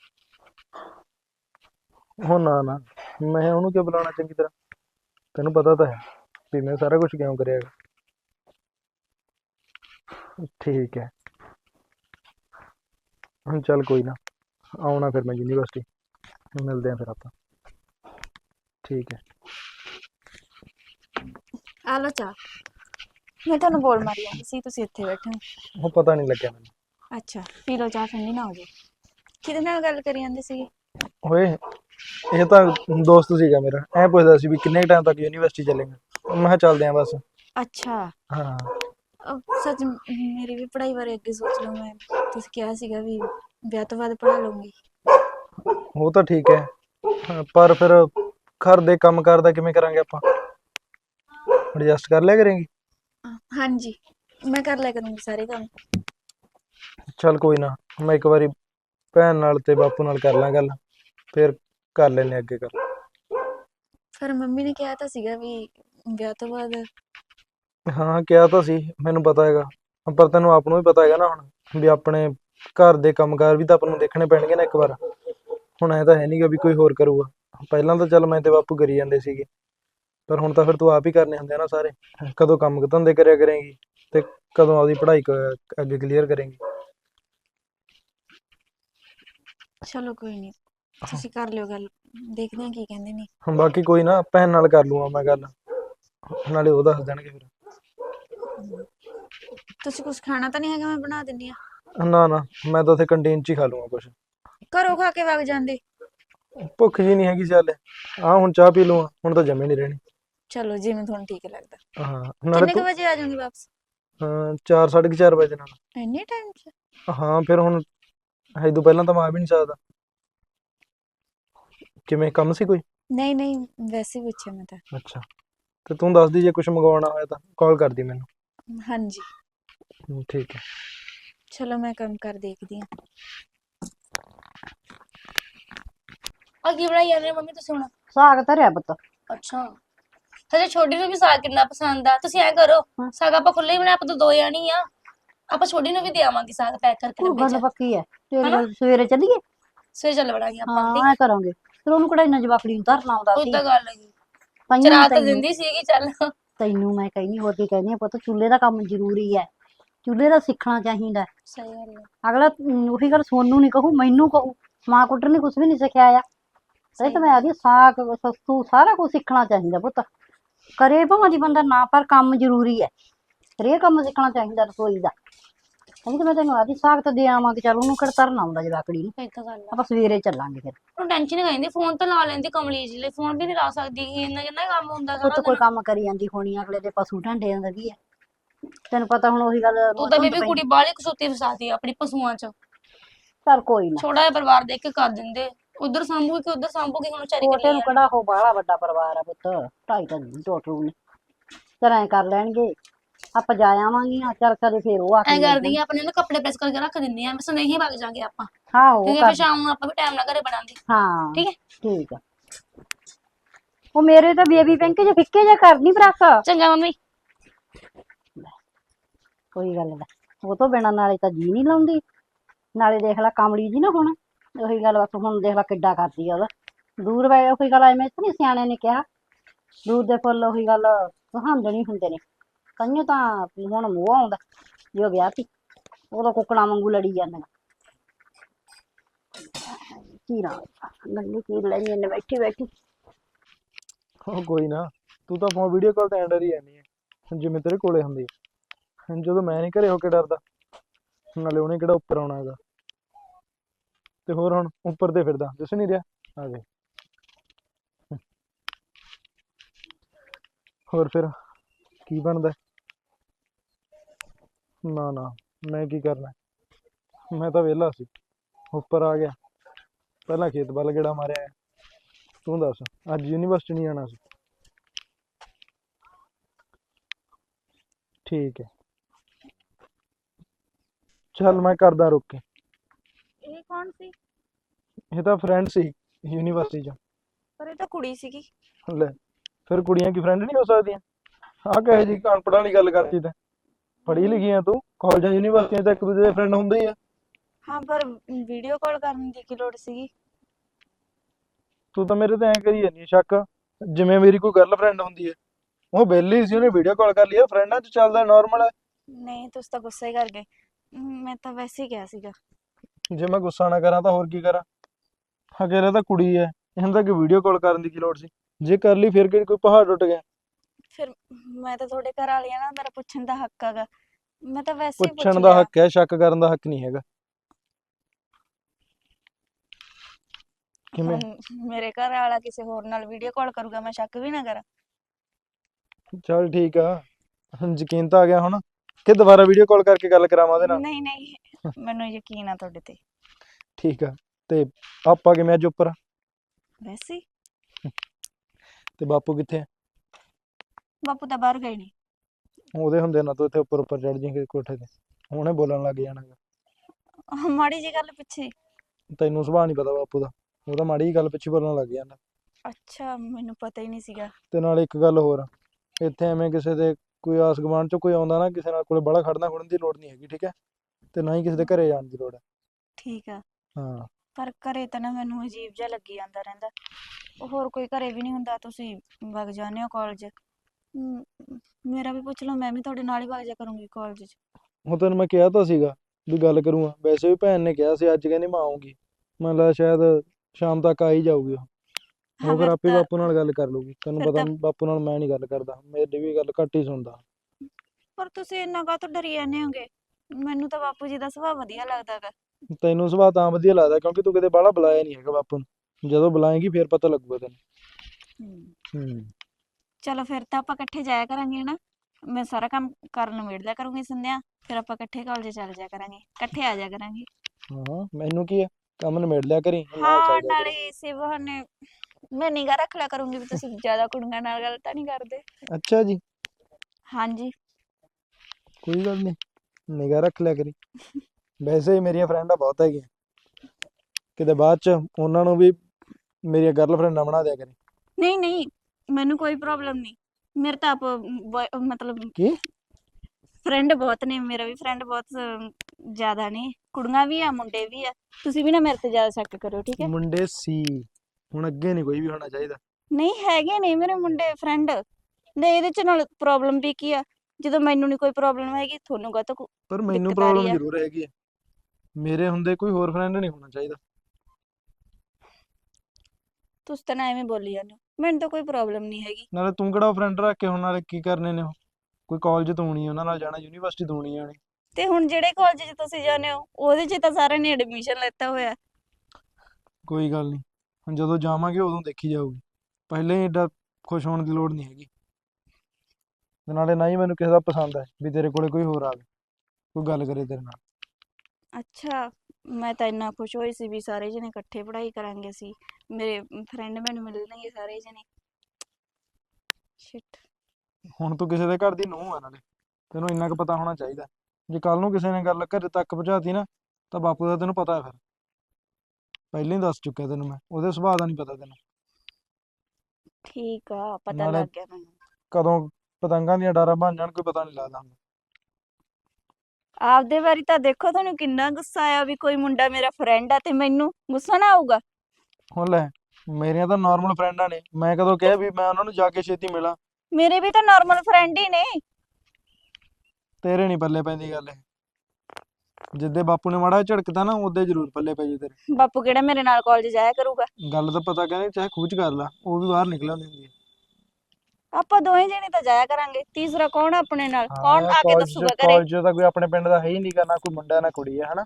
[SPEAKER 4] ਹੁਣ ਨਾ ਨਾ, ਮੈਂ ਉਹਨੂੰ ਕਿਉਂ ਬੁਲਾਉਣਾ ਚੰਗੀ ਤਰ੍ਹਾਂ? ਤੈਨੂੰ ਪਤਾ ਤਾਂ ਹੈ ਵੀ ਮੈਂ ਸਾਰਾ ਕੁਝ ਕਿਉਂ ਕਰਿਆ ਹੈਗਾ। ਠੀਕ ਹੈ, ਹੁਣ ਚੱਲ ਕੋਈ ਨਾ, ਆਉਣਾ ਫਿਰ ਮੈਂ ਯੂਨੀਵਰਸਿਟੀ, ਮਿਲਦੇ ਹਾਂ ਫਿਰ ਆਪਾਂ। ਠੀਕ ਹੈ।
[SPEAKER 3] ਆ ਲਓ ਚਾਹ। ਮੈਂ ਤੁਹਾਨੂੰ ਬੋਲ ਮਾਰੀ ਜਾਂਦੀ ਸੀ, ਤੁਸੀਂ ਇੱਥੇ ਬੈਠੇ ਹੋ।
[SPEAKER 4] ਉਹ ਪਤਾ ਨਹੀਂ ਲੱਗਿਆ ਮੈਨੂੰ।
[SPEAKER 3] ਅੱਛਾ, ਪੀ ਲਓ ਚਾਹ, ਠੰਡੀ ਨਾ ਹੋ ਜਾਏ। ਕਿਹਦੇ ਨਾਲ ਗੱਲ ਕਰੀ ਜਾਂਦੇ ਸੀ?
[SPEAKER 4] ਓਏ, ਇਹ ਤਾਂ ਦੋਸਤ ਸੀਗਾ ਮੇਰਾ, ਐ ਪੁੱਛਦਾ ਸੀ ਵੀ ਕਿੰਨੇ ਟਾਈਮ ਤੱਕ ਯੂਨੀਵਰਸਿਟੀ ਚੱਲੇਗਾ। ਮੈਂ ਕਿਹਾ ਚੱਲਦੇ ਆਂ ਬਸ।
[SPEAKER 3] ਅੱਛਾ।
[SPEAKER 4] ਹਾਂ
[SPEAKER 3] ਅਹ, ਸੱਚ ਮੇਰੀ ਵੀ ਪੜ੍ਹਾਈ ਬਾਰੇ ਅੱਗੇ ਸੋਚ ਲਓ। ਮੈਂ ਤੁਸੀਂ ਕਿਹਾ ਸੀਗਾ ਵੀ ਵਿਆਹ ਤੋਂ ਬਾਅਦ ਪੜ੍ਹਾ ਲਊਂਗੀ।
[SPEAKER 4] ਉਹ ਤਾਂ ਠੀਕ ਹੈ, ਹਾਂ, ਪਰ ਫਿਰ ਘਰ ਦੇ ਕੰਮ ਕਾਰ ਦਾ ਕਿਵੇਂ ਕਰਾਂਗੇ ਆਪਾਂ? ਐਡਜਸਟ ਕਰ ਲਿਆ ਕਰੇਂਗੀ?
[SPEAKER 3] ਅਹ, ਹਾਂਜੀ, ਮੈਂ ਕਰ ਲਿਆ ਕਰੂੰਗੀ ਸਾਰੇ ਕੰਮ।
[SPEAKER 4] ਚੱਲ ਕੋਈ ਨਾ, ਮੈਂ ਇੱਕ ਵਾਰੀ ਭੈਣ ਨਾਲ ਤੇ ਬਾਪੂ ਨਾਲ ਕਰ ਲਾਂ ਗੱਲ, ਫਿਰ ਕਰ ਲੈਨੇ ਅੱਗੇ ਗੱਲ।
[SPEAKER 3] ਫਿਰ ਮੰਮੀ ਨੇ ਕਿਹਾ ਤਾਂ ਸੀਗਾ ਵੀ ਵਿਆਹ ਤੋਂ ਬਾਅਦ।
[SPEAKER 4] ਹਾਂ ਕਿਹਾ ਤਾਂ ਸੀ, ਮੈਨੂੰ ਪਤਾ ਹੈਗਾ, ਪਰ ਤੈਨੂੰ ਆਪ ਨੂੰ ਵੀ ਪਤਾ ਹੈਗਾ ਨਾ ਹੁਣ ਵੀ ਆਪਣੇ ਘਰ ਦੇ ਕੰਮਕਾਰ ਵੀ ਤਾਂ ਆਪਾਂ ਨੂੰ ਦੇਖਣੇ ਪੈਣਗੇ ਨਾ ਇੱਕ ਵਾਰ। ਹੁਣ ਐ ਤਾਂ ਹੈ ਨੀ ਗਾ ਵੀ ਕੋਈ ਹੋਰ ਕਰੂਗਾ। ਪਹਿਲਾਂ ਤਾਂ ਚੱਲ ਮੈਂ ਤੇ ਬਾਪੂ ਕਰੀ ਜਾਂਦੇ ਸੀਗੇ, ਪਰ ਹੁਣ ਤਾਂ ਫਿਰ ਤੂੰ ਆਪ ਹੀ ਕਰਨੇ ਹੁੰਦੇ ਆ ਨਾ ਸਾਰੇ। ਕਦੋਂ ਕੰਮ ਧੰਦੇ ਕਰਿਆ ਕਰੇਂਗੀ ਤੇ ਕਦੋਂ ਆਪਦੀ ਪੜ੍ਹਾਈ ਕ- ਅੱਗੇ ਕਲੀਅਰ ਕਰੇਂਗੀ।
[SPEAKER 3] ਚਲੋ ਕੋਈ ਨਹੀਂ, ਤੁਸੀਂ ਕਰ ਲਿਓ ਗੱਲ, ਦੇਖਦੇ ਹਾਂ ਕੀ ਕਹਿੰਦੇ ਨੇ।
[SPEAKER 4] ਹੁਣ ਬਾਕੀ ਕੋਈ ਨਾ, ਭੈਣ ਨਾਲ ਕਰ ਲੂੰਗਾ ਮੈਂ ਗੱਲ, ਨਾਲੇ ਉਹ ਦੱਸ ਦੇਣਗੇ ਫਿਰ।
[SPEAKER 3] ਤੁਸੀਂ ਕੁਝ ਖਾਣਾ ਤਾਂ ਨਹੀਂ ਹੈਗਾ? ਮੈਂ ਬਣਾ ਦਿੰਦੀ ਆ।
[SPEAKER 4] ਨਾ ਨਾ, ਮੈਂ ਤਾਂ ਉੱਥੇ ਕੰਟੀਨ 'ਚ ਹੀ ਖਾ ਲੂੰਗਾ ਕੁਛ।
[SPEAKER 3] ਘਰੋਂ ਖਾ ਕੇ ਵਗ ਜਾਂਦੇ।
[SPEAKER 4] ਭੁੱਖ ਜੀ ਨਹੀਂ ਹੈਗੀ ਚੱਲ। ਹਾਂ ਹੁਣ ਚਾਹ ਪੀ ਲੂੰਗਾ, ਹੁਣ ਤਾਂ ਜਮੇ ਨਹੀਂ ਰਹਿਣੀ।
[SPEAKER 3] ਚਲੋ ਜਿਵੇਂ ਤੁਹਾਨੂੰ ਠੀਕ ਲੱਗਦਾ।
[SPEAKER 4] ਹਾਂ ਨਾਲੇ
[SPEAKER 3] ਕਿੰਨੇ ਕੁ
[SPEAKER 4] ਤੂੰ
[SPEAKER 3] ਵਜੇ ਆ ਜਾਓਗੇ ਵਾਪਸ?
[SPEAKER 4] ਹਾਂ ਚਾਰ ਸਾਢੇ ਕੁ ਚਾਰ ਵਜੇ ਨਾਲ।
[SPEAKER 3] ਇੰਨੇ ਟਾਈਮ 'ਚ?
[SPEAKER 4] ਹਾਂ ਫਿਰ ਹੁਣ ਇਹ ਤੋਂ ਪਹਿਲਾਂ ਤਾਂ ਮੈਂ ਆ ਵੀ ਨਹੀਂ ਸਕਦਾ। ਕਿਵੇਂ, ਕੰਮ ਸੀ ਕੋਈ?
[SPEAKER 3] ਨਹੀਂ ਨਹੀਂ, ਵੈਸੇ ਹੀ ਪੁੱਛਿਆ ਮੈਂ ਤਾਂ।
[SPEAKER 4] ਅੱਛਾ, ਤੇ ਤੂੰ ਦੱਸ ਦੀ ਜੇ ਕੁਝ ਮੰਗਵਾਉਣਾ ਹੋਇਆ ਤਾਂ ਕਾਲ ਕਰਦੀ ਮੈਨੂੰ।
[SPEAKER 3] ਹਾਂਜੀ
[SPEAKER 4] ਹਮ, ਠੀਕ ਹੈ।
[SPEAKER 3] ਚਲੋ ਮੈਂ ਕੰਮ ਕਰ ਦੇਖਦੀ ਹਾਂ।
[SPEAKER 5] ਆ ਕੀ ਬਣਾਈ ਜਾਂਦੇ ਹੋ ਮੰਮੀ ਤੁਸੀਂ ਹੁਣ?
[SPEAKER 6] ਸਾਗ ਧਰਿਆ ਪੁੱਤ।
[SPEAKER 5] ਅੱਛਾ, ਹਜੇ ਛੋਟੀ ਨੂੰ ਵੀ ਸਾਗ ਕਿੰਨਾ ਪਸੰਦ ਆ। ਤੁਸੀਂ ਐ ਕਰੋ,
[SPEAKER 6] ਹਾਂ।
[SPEAKER 5] ਸਾਗ ਆਪਾਂ ਖੁੱਲੇ ਹੀ ਬਣਾ, ਆਪਾਂ ਤਾਂ ਦੋ ਜਾਣੀ ਆ। ਆਪਾਂ ਛੋਟੀ ਨੂੰ ਵੀ ਦੇਵਾਂਗੇ ਸਾਗ ਪੈਕ ਕਰਕੇ
[SPEAKER 6] ਉਹ
[SPEAKER 5] ਡੱਬੇ
[SPEAKER 6] ਗੱਲ
[SPEAKER 5] 'ਚ।
[SPEAKER 6] ਪੱਕੀ ਐ, ਤੇਰੀ
[SPEAKER 5] ਹਨਾ?
[SPEAKER 6] ਗੱਲ ਸਵੇਰੇ ਚੱਲੀਏ।
[SPEAKER 5] ਸਵੇਰ ਚੱਲ ਵੜਾਂਗੇ ਆਪਾਂ
[SPEAKER 6] ਹਾਂ
[SPEAKER 5] ਠੀਕ
[SPEAKER 6] ਐ
[SPEAKER 5] ਹੈ।
[SPEAKER 6] ਕਰਾਂਗੇ, ਫਿਰ ਉਹਨੂੰ ਕਿਹੜਾ ਇੰਨਾ ਜਵਾਕੜੀ ਨੂੰ ਧਰਨਾ ਆਉਂਦਾ
[SPEAKER 5] ਕੋਈ
[SPEAKER 6] ਸੀ।
[SPEAKER 5] ਤਾਂ ਗੱਲ ਹੈਗੀ,
[SPEAKER 6] ਤਾਈਓ ਮੈਂ
[SPEAKER 5] ਚਰਾ ਤਾਂ
[SPEAKER 6] ਤੈਨੂੰ
[SPEAKER 5] ਦਿੰਦੀ ਸੀਗੀ ਚੱਲ।
[SPEAKER 6] ਤੈਨੂੰ ਮੈਂ ਕਹਿੰਦੀ, ਹੋਰ ਕੀ ਕਹਿੰਦੀ ਆ ਪੁੱਤ, ਚੁੱਲ੍ਹੇ ਦਾ ਕੰਮ ਜ਼ਰੂਰੀ ਐ, ਚੁੱਲ੍ਹੇ ਦਾ ਸਿੱਖਣਾ ਚਾਹੀਦਾ।
[SPEAKER 5] ਸਹੀ ਗੱਲ ਹੈ।
[SPEAKER 6] ਅਗਲਾ ਅਮ, ਉਹੀ ਗੱਲ ਸੋਨੂੰ ਨੀ ਕਹੂ, ਮੈਨੂੰ ਕਹੂ ਮਾਂ ਕੁੱਟਰ ਨੇ ਕੁਝ ਵੀ ਨਹੀਂ ਸਿੱਖਿਆ ਆ। ਇਹ ਤਾਂ ਮੈਂ ਆਦੀ ਸਾਗ ਸੱਤੂ ਸਾਰਾ ਕੁਝ ਸਿੱਖਣਾ ਚਾਹੀਦਾ ਪੁੱਤ। ਕਰੇ ਭਾਵੇਂ ਜੀ ਬੰਦਾ ਨਾ, ਪਰ ਕੰਮ ਜ਼ਰੂਰੀ ਐ। ਹਰੇਕ ਕੰਮ ਸਿੱਖਣਾ ਚਾਹੀਦਾ ਰਸੋਈ ਦਾ। ਕਹਿੰਦੀ ਤੇ ਮੈਂ ਤੈਨੂੰ ਆਦੀ ਸਾਗ ਤਾਂ ਦੇ ਆਵਾਂਗੇ, ਚੱਲ ਉਹਨੂੰ ਕਿਹੜਾ ਧਰਨਾ ਆਉਂਦਾ ਜਵਾਕੜੀ ਨੂੰ।
[SPEAKER 5] ਇਹ ਤਾਂ ਗੱਲ ਆ।
[SPEAKER 6] ਆਪਾਂ ਸਵੇਰੇ ਚੱਲਾਂਗੇ ਫਿਰ।
[SPEAKER 5] ਹੁਣ ਟੈਨਸ਼ਨ ਨਹੀਂ ਲੈਂਦੀ, ਫੋਨ ਤਾਂ ਲਾ ਲੈਂਦੀ ਕਮਲੀ ਜੀ ਲਈ, ਫੋਨ ਵੀ ਨਹੀਂ ਲਾ ਸਕਦੀ। ਇੰਨਾ ਕਿੰਨਾ ਕੰਮ ਹੁੰਦਾ ਸਾਰਾ
[SPEAKER 6] ਪੁੱਤ ਕੋਈ
[SPEAKER 5] ਦਿਨ।
[SPEAKER 6] ਕੰਮ ਕਰੀ ਜਾਂਦੀ ਹੋਣੀ, ਅਗਲੇ ਦੇ ਪਸ਼ੂ ਢਾਂਡੇ ਦਾ ਵੀ ਐ। ਤੈਨੂੰ ਪਤਾ ਹੁਣ ਉਹੀ ਗੱਲ
[SPEAKER 5] ਤੂੰ ਤਾਂ
[SPEAKER 6] ਧੁੰਦ
[SPEAKER 5] ਬੀਬੀ ਕੁੜੀ
[SPEAKER 6] ਪੈਂਦੀ।
[SPEAKER 5] ਬਾਹਲੀ ਕਸੂਤੀ ਫਸਾਤੀ ਆਪਣੀ ਪਸ਼ੂਆਂ 'ਚ।
[SPEAKER 6] ਚੱਲ ਕੋਈ ਨਾ,
[SPEAKER 5] ਛੋੜਾ ਜਿਹਾ ਪਰਿਵਾਰ ਦੇਖ ਕੇ ਕਰ ਦਿੰਦੇ। ਉਧਰ ਸਾਂਭੂਗੀ ਕਿ ਉਧਰ ਸਾਂਭੂਗੀ ਹੁਣ ਵਿਚਾਰੀ
[SPEAKER 6] ਛੋਟੇ
[SPEAKER 5] ਇਕੱਲੀ
[SPEAKER 6] ਨੂੰ
[SPEAKER 5] ਆ।
[SPEAKER 6] ਕਿਹੜਾ ਉਹ ਬਾਹਲਾ ਵੱਡਾ ਪਰਿਵਾਰ ਆ ਪੁੱਤ, ਢਾਈ ਤਾਂ ਟੋਟਲ ਨੇ। ਚੱਲ ਐਂ ਕਰ ਲੈਣਗੇ, ਆਪਾਂ ਜਾ ਆਵਾਂਗੀਆਂ, ਚੱਲ ਕਦੇ ਫੇਰ ਉਹ ਆ ਕੇ
[SPEAKER 5] ਐ
[SPEAKER 6] ਮਿਲ
[SPEAKER 5] ਕਰਦੀ
[SPEAKER 6] ਜਾਣ।
[SPEAKER 5] ਆ ਆਪਣੇ ਨਾ ਕੱਪੜੇ ਪ੍ਰੈਸ ਕਰਕੇ ਰੱਖ ਦਿੰਦੀ ਆ, ਬਸ ਨਹੀਂ ਵਗ ਜਾਾਂਗੇ ਆਪਾਂ।
[SPEAKER 6] ਹਾਂ ਉਹ
[SPEAKER 5] ਠੀਕ ਹੈ,
[SPEAKER 6] ਕਰ।
[SPEAKER 5] ਫਿਰ ਸ਼ਾਮ ਨੂੰ ਆਪਾਂ ਵੀ ਟਾਈਮ ਨਾਲ ਘਰੇ ਬਣਾਂਗੇ।
[SPEAKER 6] ਹਾਂ
[SPEAKER 5] ਠੀਕ ਹੈ,
[SPEAKER 6] ਠੀਕ ਆ। ਉਹ ਮੇਰੇ ਤਾਂ ਬੇਬੀ ਪਿੰਕ ਜੇ ਫਿੱਕੇ ਜੇ ਕਰਨੀ ਪ੍ਰੈਸ।
[SPEAKER 5] ਚੰਗਾ ਮੰਮੀ।
[SPEAKER 6] ਕੋਈ ਗੱਲ ਨੀ, ਉਹ ਤੋਂ ਬਿਨਾਂ ਨਾਲੇ ਤਾਂ ਜੀ ਨਹੀਂ ਲਾਉਂਦੀ, ਨਾਲੇ ਦੇਖ ਲੈ ਕਮਲੀ ਜੀ ਨਾ ਹੁਣ। ਉਹੀ ਗੱਲ ਬਸ ਹੁਣ ਦੇਖ ਲੈ ਕਿੱਡਾ ਕਰਦੀ ਆ ਉਹਦਾ। ਦੂਰ ਬੈ ਉਹੀ ਗੱਲ ਐਵੇਂ ਤਾਂ ਨੀ ਸਿਆਣੇ ਨੇ ਕਿਹਾ, ਦੂਰ ਦੇ ਫੁੱਲ ਉਹੀ ਗੱਲ ਸੁਹਾਂਦੇ ਨੀ ਹੁੰਦੇ ਨੇ। ਕਈਆਂ ਤਾਂ ਹੁਣ ਮੂੰਹ ਆਉਂਦਾ, ਜੋ ਵਿਆਹ ਸੀ ਉਦੋਂ ਕੁੱਕੜਾਂ ਵਾਂਗੂ ਲੜੀ ਜਾਂਦੀਆਂ। ਕੀ ਨਾ ਨੰਨੀ ਕੀ ਲੈਣੀ ਇਹਨੇ ਬੈਠੀ ਬੈਠੀ।
[SPEAKER 4] ਉਹ ਕੋਈ ਨਾ, ਤੂੰ ਤਾਂ ਫੋਨ ਵੀਡੀਓ ਕਾਲ ਤੇ ਐਂ ਡਰੀ ਜਾਂਦੀ ਹੈ ਜਿਵੇਂ ਤੇਰੇ ਕੋਲੇ ਹੁੰਦੀ ਹੈ। ਜਦੋਂ ਮੈਂ ਨਹੀਂ ਘਰੇ ਹੋ ਕੇ ਡਰਦਾ, ਨਾਲੇ ਉਹਨੇ ਕਿਹੜਾ ਉੱਪਰ ਆਉਣਾ ਹੈਗਾ। ਤੇ ਹੋਰ ਹੁਣ ਉੱਪਰ ਤੇ ਫਿਰਦਾ ਦਿਸ ਨਹੀਂ ਰਿਹਾ, ਆ ਗਏ। ਹੋਰ ਫਿਰ ਕੀ ਬਣਦਾ? ਨਾ ਨਾ, ਮੈਂ ਕੀ ਕਰਨਾ, ਮੈਂ ਤਾਂ ਵਿਹਲਾ ਸੀ, ਉੱਪਰ ਆ ਗਿਆ, ਪਹਿਲਾਂ ਖੇਤ ਵੱਲ ਗੇੜਾ ਮਾਰਿਆ। ਤੂੰ ਦੱਸ, ਅੱਜ ਯੂਨੀਵਰਸਿਟੀ ਨਹੀਂ ਜਾਣਾ ਸੀ? ਠੀਕ ਹੈ, ਚੱਲ ਮੈਂ ਕਰਦਾ ਰੁਕ ਕੇ।
[SPEAKER 3] ਇਹ ਕੌਣ ਸੀ?
[SPEAKER 4] ਇਹ ਤਾਂ ਫਰੈਂਡ ਸੀ ਯੂਨੀਵਰਸਿਟੀ 'ਚ।
[SPEAKER 3] ਪਰ ਇਹ ਤਾਂ ਕੁੜੀ ਸੀਗੀ।
[SPEAKER 4] ਲੈ, ਫਿਰ ਕੁੜੀਆਂ ਕੀ ਫਰੈਂਡ ਨਹੀਂ ਹੋ ਸਕਦੀਆਂ? ਆਹ ਕਹੇ ਜੀ ਅਨਪੜ੍ਹ ਵਾਲੀ ਗੱਲ ਕਰਤੀ ਤੈਂ। ਪੜ੍ਹੀ ਲਿਖੀ ਆ ਤੂੰ, ਕਾਲਜਾਂ ਯੂਨੀਵਰਸਿਟੀਆਂ ਤਾਂ ਇੱਕ ਦੂਜੇ ਦੇ ਫਰੈਂਡ ਹੁੰਦੇ ਹੀ ਆ।
[SPEAKER 3] ਹਾਂ ਪਰ ਵੀਡੀਓ ਕਾਲ ਕਰਨ ਦੀ ਕੀ ਲੋੜ ਸੀਗੀ?
[SPEAKER 4] ਤੂੰ ਤਾਂ ਮੇਰੇ ਤੇ ਐਂ ਕਰੀ ਜਾਂਦੀ ਸ਼ੱਕ, ਜਿਵੇਂ ਮੇਰੀ ਕੋਈ ਗਰਲ ਫਰੈਂਡ ਹੁੰਦੀ ਹੈ। ਉਹ ਵਿਹਲੀ ਸੀ, ਉਹਨੇ ਵੀਡੀਓ ਕਾਲ ਕਰ ਲਈ, ਫਰੈਂਡਾਂ 'ਚ ਚੱਲਦਾ ਨਾਰਮਲ ਹੈ।
[SPEAKER 3] ਨਹੀਂ ਤੁਸੀਂ ਤਾਂ ਗੁੱਸਾ ਹੀ ਕਰ ਗਏ, ਮੈਂ ਤਾਂ ਵੈਸੇ ਹੀ ਕਿਹਾ ਸੀਗਾ।
[SPEAKER 4] ਜੇ ਮੈਂ ਗੁੱਸਾ ਨਾ ਕਰਾਂ ਤਾਂ ਹੋਰ ਕੀ ਕਰਾਂ? ਅਗਰ ਤਾਂ ਕੁੜੀ ਹੈ, ਇਹਨਾਂ ਤਾਂ ਕਿ ਵੀਡੀਓ ਕਾਲ ਕਰਨ ਦੀ ਕੀ ਲੋੜ ਸੀ? ਜੇ ਕਰ ਲਈ ਫਿਰ ਕਿਹੜੀ ਕੋਈ ਪਹਾੜ ਟੁੱਟ ਗਿਆ?
[SPEAKER 3] ਫਿਰ ਮੈਂ ਤਾਂ ਤੁਹਾਡੇ ਘਰ ਵਾਲੀ ਆ ਨਾ, ਮੇਰਾ ਪੁੱਛਣ ਦਾ ਹੱਕ ਹੈਗਾ। ਮੈਂ ਤਾਂ ਵੈਸੇ ਹੀ ਪੁੱਛ
[SPEAKER 4] ਪੁੱਛਣ ਦਾ
[SPEAKER 3] ਲਿਆ।
[SPEAKER 4] ਹੱਕ ਹੈ, ਸ਼ੱਕ ਕਰਨ ਦਾ ਹੱਕ ਨਹੀਂ ਹੈਗਾ। ਕਿਵੇਂ?
[SPEAKER 3] ਹੁਣ ਮੇਰੇ ਘਰ ਵਾਲਾ ਕਿਸੇ ਹੋਰ ਨਾਲ ਵੀਡੀਓ ਕਾਲ ਕਰੂਗਾ, ਮੈਂ ਸ਼ੱਕ ਵੀ ਨਾ ਕਰਾਂ?
[SPEAKER 4] ਚੱਲ ਠੀਕ ਆ, ਹੁਣ ਯਕੀਨ ਤਾਂ ਆ ਗਿਆ ਹੁਣ, ਕਿ ਦੁਬਾਰਾ ਵੀਡੀਓ ਕਾਲ ਕਰਕੇ ਗੱਲ ਕਰਾਵਾਂ ਉਹਦੇ ਨਾਲ?
[SPEAKER 3] ਨਹੀਂ ਨਹੀਂ, ਮੈਨੂੰ ਯਕੀਨ ਆ ਤੁਹਾਡੇ ਤੇ।
[SPEAKER 4] ਠੀਕ ਆ, ਤੇ ਆਪਾਂ ਕਿਵੇਂ ਅੱਜ ਉੱਪਰ?
[SPEAKER 3] ਵੈਸੇ ਹੀ।
[SPEAKER 4] ਤੇ ਬਾਪੂ ਕਿੱਥੇ ਆ?
[SPEAKER 3] ਬਾਪੂ ਤਾਂ ਬਾਹਰ ਗਏ ਨੇ।
[SPEAKER 4] ਉਹਦੇ ਹੁੰਦੇ ਨਾ ਤੂੰ ਇੱਥੇ ਉੱਪਰ ਉੱਪਰ ਚੜ ਜਾਏਂਗੇ ਕੋਠੇ ਤੇ, ਉਹਨੇ ਬੋਲਣ ਲੱਗ ਜਾਣਾ ਗਾ।
[SPEAKER 3] ਆਹ ਮਾੜੀ ਜੀ ਗੱਲ ਪਿੱਛੇ।
[SPEAKER 4] ਤੈਨੂੰ ਸੁਭਾਅ ਨਹੀਂ ਪਤਾ ਬਾਪੂ ਦਾ, ਉਹ ਤਾਂ ਮਾੜੀ ਜਿਹੀ ਗੱਲ ਪਿੱਛੇ ਬੋਲਣ ਲੱਗ ਜਾਂਦਾ।
[SPEAKER 3] ਅੱਛਾ, ਮੈਨੂੰ ਪਤਾ ਹੀ ਨਹੀਂ ਸੀਗਾ।
[SPEAKER 4] ਤੇ ਨਾਲ ਇੱਕ ਗੱਲ ਹੋਰ, ਇੱਥੇ ਐਵੇਂ ਕਿਸੇ ਦੇ ਕੋਈ ਆਸ ਗੁਆਂਢ ਚੋਂ ਕੋਈ ਆਉਂਦਾ ਨਾ, ਕਿਸੇ ਨਾਲ ਕੋਲੇ ਬੜਾ ਖੜਨਾ ਖੁੜਨ ਦੀ ਲੋੜ ਨਹੀਂ ਹੈਗੀ, ਠੀਕ ਹੈ? ਤੇ ਨਾ ਹੀ ਕਿਸੇ ਦੇ ਘਰੇ ਜਾਣ ਦੀ ਲੋੜ ਹੈ।
[SPEAKER 3] ਠੀਕ ਆ,
[SPEAKER 4] ਹਾਂ,
[SPEAKER 3] ਪਰ ਘਰੇ ਤਾਂ ਨਾ ਮੈਨੂੰ ਅਜੀਬ ਜਿਹਾ ਲੱਗੀ ਜਾਂਦਾ ਰਹਿੰਦਾ। ਉਹ ਹੋਰ ਕੋਈ ਘਰੇ ਵੀ ਨਹੀਂ ਹੁੰਦਾ, ਤੁਸੀਂ ਵਗ ਜਾਂਦੇ ਹੋ ਕਾਲਜ। ਮੇਰਾ ਵੀ ਪੁੱਛ ਲਓ, ਮੈਂ ਵੀ ਤੁਹਾਡੇ ਨਾਲ ਹੀ ਵਗ ਜਾ ਕਰੂੰਗੀ ਕਾਲਜ 'ਚ।
[SPEAKER 4] ਹੁਣ ਤੈਨੂੰ ਮੈਂ ਕਿਹਾ ਤਾਂ ਸੀਗਾ ਵੀ ਗੱਲ ਕਰੂੰਗਾ, ਵੈਸੇ ਵੀ ਭੈਣ ਨੇ ਕਿਹਾ ਸੀ ਅੱਜ ਕਹਿੰਦੀ ਮੈਂ ਆਉਂਗੀ, ਮੈਨੂੰ ਲੱਗਦਾ ਸ਼ਾਇਦ ਸ਼ਾਮ ਤੱਕ ਆ ਹੀ ਜਾਊਗੀ ਉਹ।
[SPEAKER 3] ਹਾਂ
[SPEAKER 4] ਉਹ ਫਿਰ
[SPEAKER 3] ਫਿਰ
[SPEAKER 4] ਆਪੇ
[SPEAKER 3] ਤਾਂ
[SPEAKER 4] ਬਾਪੂ ਨਾਲ ਗੱਲ ਕਰ ਲੂਗੀ, ਤੈਨੂੰ
[SPEAKER 3] ਫਿਰ
[SPEAKER 4] ਪਤਾ
[SPEAKER 3] ਤਾਂ
[SPEAKER 4] ਬਾਪੂ ਨਾਲ ਮੈਂ ਨਹੀਂ ਗੱਲ ਕਰਦਾ, ਮੇਰੀ ਵੀ ਗੱਲ ਘੱਟ ਹੀ ਸੁਣਦਾ।
[SPEAKER 3] ਪਰ ਤੁਸੀਂ ਇੰਨਾ ਕਾਹਤੋਂ ਡਰੀ ਜਾਂਦੇ ਹੋਗੇ? ਮੈਨੂੰ ਤਾਂ ਬਾਪੂ ਜੀ ਦਾ ਸੁਭਾਅ ਵਧੀਆ ਲੱਗਦਾ ਗਾ।
[SPEAKER 4] ਤੈਨੂੰ ਸੁਭਾਅ ਤਾਂ ਵਧੀਆ ਲੱਗਦਾ ਕਿਉਂਕਿ ਤੂੰ ਕਿਤੇ ਬਾਹਲਾ ਬੁਲਾਇਆ ਨਹੀਂ ਹੈਗਾ ਬਾਪੂ ਨੂੰ, ਜਦੋਂ ਬੁਲਾਏਂਗੀ ਫਿਰ ਪਤਾ ਲੱਗੂਗਾ ਤੈਨੂੰ। ਹੂੰ,
[SPEAKER 3] ਚਲੋ ਫਿਰ ਤਾਂ ਆਪਾਂ ਇਕੱਠੇ ਜਾਇਆ ਕਰਾਂਗੇ ਨਾ। ਮੈਂ ਸਾਰਾ ਕੰਮ ਕਰਨ ਨਿਬੇੜ ਲਿਆ ਕਰੂੰਗੀ ਸੰਧਿਆ, ਫਿਰ ਆਪਾਂ ਇਕੱਠੇ ਕਾਲਜ ਚੱਲ ਜਾਇਆ ਕਰਾਂਗੇ, ਇਕੱਠੇ ਆ ਜਾਇਆ ਕਰਾਂਗੇ।
[SPEAKER 4] ਹਾਂ ਮੈਨੂੰ ਕੀ ਆ, ਕੰਮ ਨਿਬੇੜ ਲਿਆ ਕਰੀ, ਨਾਲ
[SPEAKER 3] ਹਾਂ
[SPEAKER 4] ਚੱਲ ਜਾ
[SPEAKER 3] ਨਾਲੇ
[SPEAKER 4] ਕਰੀ।
[SPEAKER 3] ਇਸੇ ਬਹਾਨੇ ਮੈਂ ਨਿਗਾਹ ਰੱਖ ਲਿਆ ਕਰੂੰਗੀ ਵੀ ਤੁਸੀਂ ਜ਼ਿਆਦਾ ਕੁੜੀਆਂ ਨਾਲ ਗੱਲ ਤਾਂ ਨਹੀਂ ਕਰਦੇ।
[SPEAKER 4] ਅੱਛਾ ਜੀ,
[SPEAKER 3] ਹਾਂਜੀ।
[SPEAKER 4] ਕੋਈ ਗੱਲ ਨਹੀਂ, ਨਿਗਾਹ ਰੱਖ ਲਿਆ ਕਰੀ। ਵੈਸੇ ਹੀ ਮੇਰੀਆਂ ਫਰੈਂਡਾਂ ਬਹੁਤ ਹੈਗੀਆਂ, ਕਿਤੇ ਬਾਅਦ ਚ ਉਹਨਾਂ ਨੂੰ ਵੀ ਮੇਰੀਆਂ ਗਰਲਫ੍ਰੈਂਡਾਂ ਬਣਾ ਦਿਆ ਕਰੀ।
[SPEAKER 3] ਨਹੀਂ ਨਹੀਂ, ਮੈਨੂੰ ਕੋਈ ਪ੍ਰੋਬਲਮ ਨਹੀਂ, ਮੇਰੇ ਤਾਂ ਆਪ ਬੋਏ- ਮਤਲਬ
[SPEAKER 4] ਕੀ?
[SPEAKER 3] ਫਰੈਂਡ ਬਹੁਤ ਨੇ, ਮੇਰਾ ਵੀ ਫਰੈਂਡ ਬਹੁਤ ਜ਼ਿਆਦਾ ਨੇ, ਕੁੜੀਆਂ ਵੀ ਆ ਮੁੰਡੇ ਵੀ ਆ। ਤੁਸੀਂ ਵੀ ਨਾ ਮੇਰੇ ਤੇ ਜ਼ਿਆਦਾ ਸ਼ੱਕ ਕਰਿਓ, ਠੀਕ ਹੈ?
[SPEAKER 4] ਮੁੰਡੇ ਸੀ, ਹੁਣ ਅੱਗੇ ਨਹੀਂ ਕੋਈ ਵੀ ਹੋਣਾ ਚਾਹੀਦਾ।
[SPEAKER 3] ਨਹੀਂ ਹੈਗੇ ਨੇ ਮੇਰੇ ਮੁੰਡੇ ਫਰੈਂਡ ਨੇ, ਇਹਦੇ ਚ ਨਾਲ ਪ੍ਰੋਬਲਮ ਵੀ ਕੀ ਆ? ਜਦੋਂ ਮੈਨੂੰ ਨਹੀਂ ਕੋਈ ਪ੍ਰੋਬਲਮ ਹੈਗੀ, ਤੁਹਾਨੂੰ ਕਾਹਤੋਂ
[SPEAKER 4] ਪਰ ਮੈਨੂੰ
[SPEAKER 3] ਦਿੱਕਤ ਆ ਰਹੀ
[SPEAKER 4] ਪ੍ਰੋਬਲਮ
[SPEAKER 3] ਆ?
[SPEAKER 4] ਜ਼ਰੂਰ ਹੈਗੀ ਹੈ, ਮੇਰੇ ਹੁੰਦੇ ਕੋਈ ਹੋਰ ਫਰੈਂਡ ਨਹੀਂ ਹੋਣਾ ਚਾਹੀਦਾ।
[SPEAKER 3] ਤੁਸੀਂ ਤਾਂ ਨਾ ਐਵੇਂ ਬੋਲੀ ਜਾਂਦੇ ਹੋ, ਮੈਨੂੰ ਤਾਂ ਕੋਈ ਪ੍ਰੋਬਲਮ ਨਹੀਂ ਹੈਗੀ।
[SPEAKER 4] ਨਾਲੇ ਤੂੰ ਕਿਹੜਾ ਫਰੈਂਡ ਰੱਖ ਕੇ ਹੁਣ, ਨਾਲੇ ਕੀ ਕਰਨੇ ਨੇ ਉਹ? ਕੋਈ ਕਾਲਜ ਤੋਂ ਹੋਣੀ ਉਹਨਾਂ ਨਾਲ ਜਾਣਾ, ਯੂਨੀਵਰਸਿਟੀ ਤੋਂ ਹੋਣੀ ਜਾਣੀ।
[SPEAKER 3] ਤੇ ਹੁਣ ਜਿਹੜੇ ਕਾਲਜ 'ਚ ਤੁਸੀਂ ਜਾਂਦੇ ਹੋ ਉਹਦੇ 'ਚ ਤਾਂ ਸਾਰਿਆਂ ਨੇ ਐਡਮਿਸ਼ਨ ਲੈਤਾ ਹੋਇਆ।
[SPEAKER 4] ਕੋਈ ਗੱਲ ਨਹੀਂ, ਹੁਣ ਜਦੋਂ ਜਾਵਾਂਗੇ ਉਦੋਂ ਦੇਖੀ ਜਾਊਗੀ, ਪਹਿਲਾਂ ਹੀ ਏਡਾ ਖੁਸ਼ ਹੋਣ ਦੀ ਲੋੜ ਨਹੀਂ ਹੈਗੀ। ਤੇ ਨਾਲੇ ਨਾ ਹੀ ਮੈਨੂੰ ਕਿਸੇ ਦਾ ਪਸੰਦ ਹੈ ਵੀ ਤੇਰੇ ਕੋਲੇ ਕੋਈ ਹੋਰ ਆਵੇ, ਕੋਈ ਗੱਲ ਕਰੇ ਤੇਰੇ ਨਾਲ।
[SPEAKER 3] ਅੱਛਾ, ਮੈਂ ਤਾਂ ਇੰਨਾ ਖੁਸ਼ ਹੋਈ ਸੀ ਵੀ ਸਾਰੇ ਜਣੇ ਇਕੱਠੇ ਪੜ੍ਹਾਈ ਕਰਾਂਗੇ ਅਸੀਂ, ਮੇਰੇ ਫਰੈਂਡ ਮੈਨੂੰ ਮਿਲਣਗੇ ਸਾਰੇ ਜਣੇ। ਸ਼ਿਟ।
[SPEAKER 4] ਹੁਣ ਤੂੰ ਕਿਸੇ ਦੇ ਘਰ ਦੀ ਨੂੰਹ ਆ, ਨਾਲੇ ਤੈਨੂੰ ਇੰਨਾ ਕੁ ਪਤਾ ਹੋਣਾ ਚਾਹੀਦਾ। ਜੇ ਕੱਲ ਨੂੰ ਕਿਸੇ ਨੇ ਗੱਲ ਘਰੇ ਤੱਕ ਪਹੁੰਚਾਤੀ ਨਾ, ਤਾਂ ਬਾਪੂ ਦਾ ਤੈਨੂੰ ਪਤਾ ਫਿਰ। ਪਹਿਲਾਂ ਹੀ ਦੱਸ ਚੁੱਕਿਆ ਤੈਨੂੰ ਮੈਂ, ਉਹਦੇ ਸੁਭਾਅ ਦਾ ਨਹੀਂ ਪਤਾ ਤੈਨੂੰ।
[SPEAKER 3] ਠੀਕ ਆ, ਪਤਾ
[SPEAKER 4] ਨਾਲੇ
[SPEAKER 3] ਲੱਗ ਗਿਆ ਮੈਨੂੰ।
[SPEAKER 4] ਕਦੋਂ ਪਤੰਗਾਂ ਦੀਆਂ ਡਾਰਾਂ ਬਣ ਜਾਣ ਕੋਈ ਪਤਾ ਨਹੀਂ ਲੱਗਦਾ ਹੁੰਦਾ।
[SPEAKER 3] ਆਪਦੇ ਵਾਰੀ ਤਾਂ ਦੇਖੋ ਤੁਹਾਨੂੰ ਕਿੰਨਾ ਗੁੱਸਾ ਆਇਆ ਵੀ ਕੋਈ ਮੁੰਡਾ ਮੇਰਾ ਫਰੈਂਡ ਆ ਤੇ ਮੈਨੂੰ ਗੁੱਸਾ ਨਾ ਆਊਗਾ।
[SPEAKER 4] ਹੁਣ ਲੈ, ਮੇਰੀਆਂ ਤਾਂ ਨਾਰਮਲ ਫਰੈਂਡਾਂ ਨੇ, ਮੈਂ ਕਦੋਂ ਕਿਹਾ ਵੀ ਮੈਂ ਉਹਨਾਂ ਨੂੰ ਜਾ ਕੇ ਛੇਤੀ ਮਿਲਾਂ।
[SPEAKER 3] ਮੇਰੇ ਵੀ ਤਾਂ ਨਾਰਮਲ ਫਰੈਂਡ ਹੀ ਨੇ।
[SPEAKER 4] ਤੇਰੇ ਨਹੀਂ ਪੱਲੇ ਪੈਂਦੀ ਗੱਲ ਇਹ। ਜਿੱਦੇ ਬਾਪੂ ਨੇ ਮਾੜਾ ਜਿਹਾ ਝਿੜਕਦਾ ਨਾ, ਉਦੇ ਜ਼ਰੂਰ ਪੱਲੇ ਪੈ ਜੇ ਤੇਰੇ।
[SPEAKER 3] ਬਾਪੂ ਕਿਹੜਾ ਮੇਰੇ ਨਾਲ ਕਾਲਜ ਜਾਇਆ ਕਰੂਗਾ।
[SPEAKER 4] ਗੱਲ ਤਾਂ ਪਤਾ ਕਹਿੰਦੇ ਚਾਹੇ ਖੂਚ ਕਰ ਲਾ, ਉਹ ਵੀ ਬਾਹਰ ਨਿਕਲ ਆਉਂਦੀ ਹੁੰਦੀ ਹੈ।
[SPEAKER 3] ਆਪਾਂ ਦੋਵੇਂ ਜਣੇ ਤਾਂ ਜਾਇਆ ਕਰਾਂਗੇ, ਤੀਸਰਾ ਕੌਣ ਆ ਆਪਣੇ ਨਾਲ? ਕੌਣ ਆ ਕੇ
[SPEAKER 4] ਕਾਲਜ
[SPEAKER 3] ਦੱਸੂਗਾ ਘਰੇ?
[SPEAKER 4] ਕਾਲਜ ਤਾਂ ਕੋਈ ਆਪਣੇ ਪਿੰਡ ਦਾ ਹੈ ਹੀ ਨਹੀਂ ਗਾ, ਨਾ ਕੋਈ ਮੁੰਡਾ ਨਾ ਕੁੜੀ ਹੈ, ਹਨਾ।